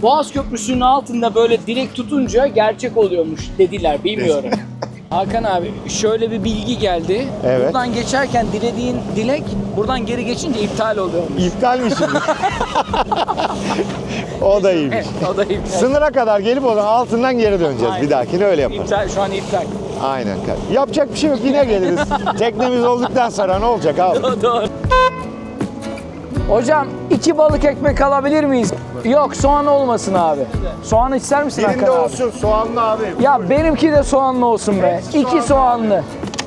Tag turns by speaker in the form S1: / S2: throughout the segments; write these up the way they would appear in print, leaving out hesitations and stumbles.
S1: Boğaz Köprüsü'nün altında böyle direk tutunca gerçek oluyormuş dediler, bilmiyorum. Hakan abi şöyle bir bilgi geldi.
S2: Evet.
S1: Buradan geçerken dilediğin dilek buradan geri geçince iptal oluyormuş.
S2: İptal mi şimdi? O da iyiymiş.
S1: Evet, o da iptal.
S2: Sınıra kadar gelip o zaman altından geri döneceğiz.
S1: Aynen.
S2: Bir dahakine öyle yaparız.
S1: İptal, şu an iptal.
S2: Aynen. Yapacak bir şey yok. Yine geliriz. Teknemiz olduktan sonra ne olacak abi?
S1: Doğru. Hocam 2 balık ekmek alabilir miyiz? Yok, soğan olmasın abi. Soğan ister misin
S2: Birinde
S1: Hakan abi?
S2: olsun soğanlı abi.
S1: Ya benimki de soğanlı olsun be. 2 soğanlı.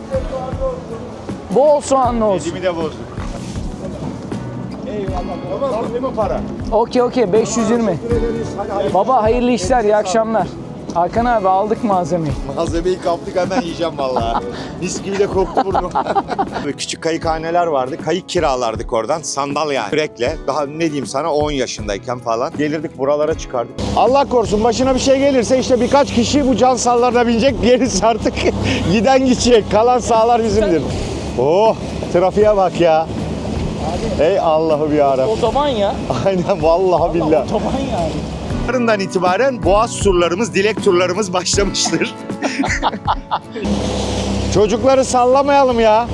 S1: Bol soğanlı olsun.
S2: Elimi de bozduk. Eyvallah. Tamam değil mi para?
S1: Okey 520. Baba hayırlı işler, iyi akşamlar. Hakan abi aldık malzemeyi.
S2: Malzemeyi kaptık, hemen yiyeceğim vallahi. Mis gibi de koktu burnum. Küçük kayıkhaneler vardı. Kayık kiralardık oradan. Sandal yani. Kürekle. Daha ne diyeyim sana 10 yaşındayken falan. Gelirdik buralara çıkardık. Allah korusun başına bir şey gelirse işte birkaç kişi bu can sallarına binecek. Gerisi artık giden gidecek. Kalan sağlar bizimdir. Oh, trafiğe bak ya. Ey Allah'ım yarabbim.
S1: Otoban ya.
S2: Aynen vallahi billahi.
S1: Otoban yani.
S2: Yarından itibaren boğaz turlarımız, dilek turlarımız başlamıştır. Çocukları sallamayalım ya.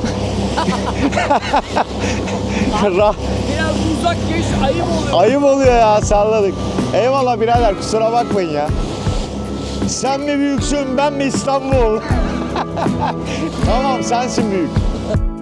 S1: Biraz uzak geç, ayıp oluyor.
S2: Ayıp oluyor ya, salladık. Eyvallah birader, kusura bakmayın ya. Sen mi büyüksün, ben mi İstanbul? Tamam, sensin büyük.